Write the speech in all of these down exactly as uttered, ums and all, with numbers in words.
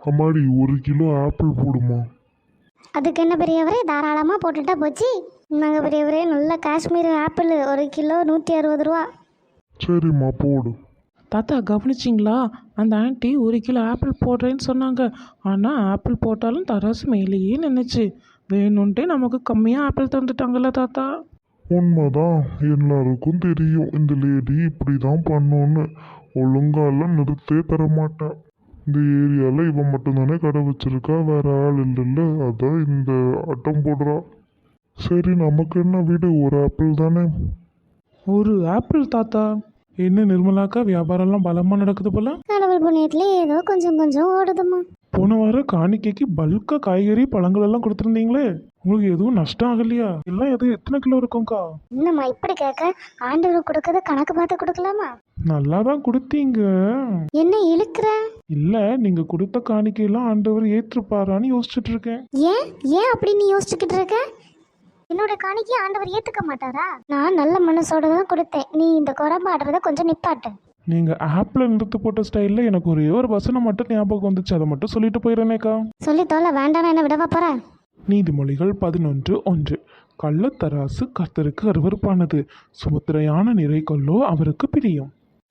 அம்மாடி ஒரு kilo apple போடுமா. அதுக்கு என்ன பெரியவரே, தாராளமாக போட்டுட்டா போச்சு. நாங்கள் பெரியவரே, நல்ல காஷ்மீர் ஆப்பிள் ஒரு கிலோ நூற்றி அறுபது ரூபா. சரிம்மா போடு. தாத்தா கவனிச்சிங்களா, அந்த ஆண்டி ஒரு கிலோ ஆப்பிள் போடுறேன்னு சொன்னாங்க. ஆனால் ஆப்பிள் போட்டாலும் தராசு மேலேயே நின்றுச்சு. வேணும்ன்ட்டே நமக்கு கம்மியாக ஆப்பிள் தந்துட்டாங்கல்ல தாத்தா. உண்மைதான், எல்லாருக்கும் தெரியும் இந்த லேடி இப்படி தான் பண்ணோன்னு. ஒழுங்காலாம் நிறுத்தே தரமாட்டா. இந்த ஏரியாவில் இவன் மட்டும்தானே கடை வச்சிருக்கா, வேற ஆள் இல்லைல்ல, அதான் இந்த ஆட்டம் போடுறா. சரி நமக்கு என்ன வீடு, ஒரு ஆப்பிள் தானே. ஒரு ஆப்பிள் தாத்தா? என்ன நிர்மலாக்கா, வியாபாரம்லாம் பலமாக நடக்குது போல. கடவுள் புண்ணியத்துல ஏதோ கொஞ்சம் கொஞ்சம் ஓடுதுமா. போன வாரம் காணிக்கைக்கு பல்கா காய்கறி பழங்கள் எல்லாம் கொடுத்துருந்தீங்களே, உங்களுக்கு எதுவும் நஷ்டம் ஆகலையா? எல்லாம் எதுவும் எத்தனை கிலோ இருக்கும்க்கா? என்னம்மா இப்படி கேட்க, ஆண்டவர் கொடுக்கறத கணக்கு பார்த்து கொடுக்கலாமா? நல்லா தான் கொடுத்தீங்க. என்ன இழுக்கிற? இல்ல, நீங்க கொடுத்த காணிக்கையெல்லாம் ஆண்டவர் ஏற்றுப்பாரான்னு யோசிச்சுட்டு இருக்கேன். ஏன் ஏன் அப்படி நீ யோசிச்சுக்கிட்டு இருக்க? என்னோட காணிக்கை ஆண்டவர் ஏத்துக்க மாட்டாரா? நான் நல்ல மனசோட தான் கொடுத்தேன். நீ இந்த குறம்பாடுறத கொஞ்சம் நிப்பாட்டு. நீங்க ஆப்பிள் நிறுத்து போட்ட ஸ்டைல்ல எனக்கு ஒரே ஒரு வசனம் மட்டும் ஞாபகம் வந்துச்சு, அதை மட்டும் சொல்லிட்டு போயிடுறேனேக்கா. சொல்லி தோல, வேண்டாம், என்ன விடவா போற? நீதிமொழிகள் பதினொன்று ஒன்று. கள்ளத்தராசு கர்த்தருக்கு அருவருப்பானது, சுமுத்திரையான நிறை கொல்லோ அவருக்கு பிரியம்.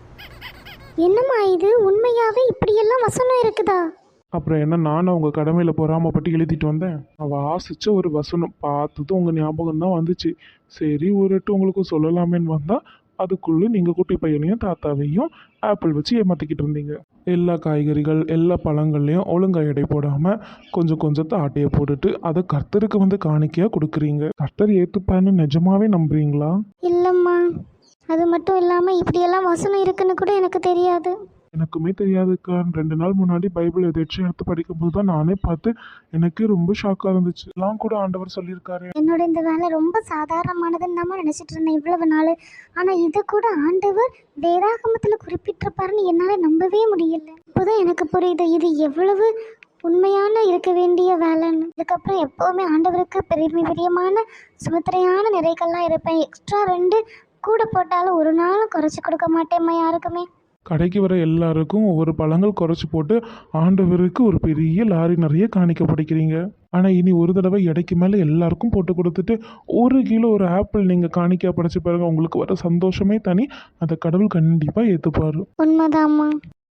என்னம்மா இது, உண்மையாவே இப்படியெல்லாம் வசனம் இருக்குதா? அப்புறம் என்ன, நானும் உங்க கடமையில பொறாமப்பட்டு எழுதிட்டு வந்தேன். நான் வாசிச்ச ஒரு வசனம் பார்த்ததும் உங்க ஞாபகம் தான் வந்துச்சு. சரி ஒரு எட்டு உங்களுக்கு சொல்லலாமேன்னு வந்தா, அதுக்குள்ள நீங்க குட்டி பையனையும் தாத்தாவையும் ஆப்பிள் வச்சு ஏமாத்திக்கிட்டு இருந்தீங்க. எல்லா காய்கறிகள் எல்லா பழங்கள்லையும் ஒழுங்கா எடை போடாம கொஞ்சம் கொஞ்சத்தை ஆட்டையை போட்டுட்டு அதை கர்த்தருக்கு வந்து காணிக்கையா கொடுக்குறீங்க. கர்த்தர் ஏத்துப்பான்னு நிஜமாவே நம்புறீங்களா? இல்லம்மா, அது மட்டும் இல்லாம இப்படியெல்லாம் வசனம் இருக்குன்னு கூட எனக்கு தெரியாது. எனக்குமே தெரியாதுக்கா. ரெண்டு நாள் முன்னாடி பைபிள் எதாச்சும் எடுத்து படிக்கும்போது தான் நானே பார்த்து எனக்கு ரொம்ப ஷாக்காக இருந்துச்சு. எல்லாம் கூட ஆண்டவர் சொல்லியிருக்காரு. என்னோட இந்த வேலை ரொம்ப சாதாரணமானதுன்னு தான் நினைச்சிட்டு இருந்தேன் இவ்வளவு நாள். ஆனா இது கூட ஆண்டவர் வேதாகமத்துல குறிப்பிட்டிருப்பாருன்னு என்னால நம்பவே முடியல. இப்போதான் எனக்கு புரியுது இது எவ்வளவு உண்மையான இருக்க வேண்டிய வேலைன்னு. இதுக்கப்புறம் எப்போவுமே ஆண்டவருக்கு பெரிய பிரியமான சுமத்திரையான நிறைகள்லாம் இருப்பேன். எக்ஸ்ட்ரா ரெண்டு கூட போட்டாலும் ஒரு நாளும் குறைச்சி கொடுக்க மாட்டேம்மா யாருக்குமே. கடைக்கு வர எல்லாருக்கும் ஒவ்வொரு பழங்கள் குறைச்சி போட்டு ஆண்டவருக்கு ஒரு பெரிய லாரி நிறைய காணிக்க படிக்கிறீங்க. ஆனால் இனி ஒரு தடவை எடைக்கு மேலே எல்லாருக்கும் போட்டு கொடுத்துட்டு ஒரு கிலோ ஒரு ஆப்பிள் நீங்கள் காணிக்க படைச்சு பாருங்க, உங்களுக்கு வர சந்தோஷமே தனி. அதை கடவுள் கண்டிப்பாக ஏற்றுப்பார். உண்மைதாம்மா.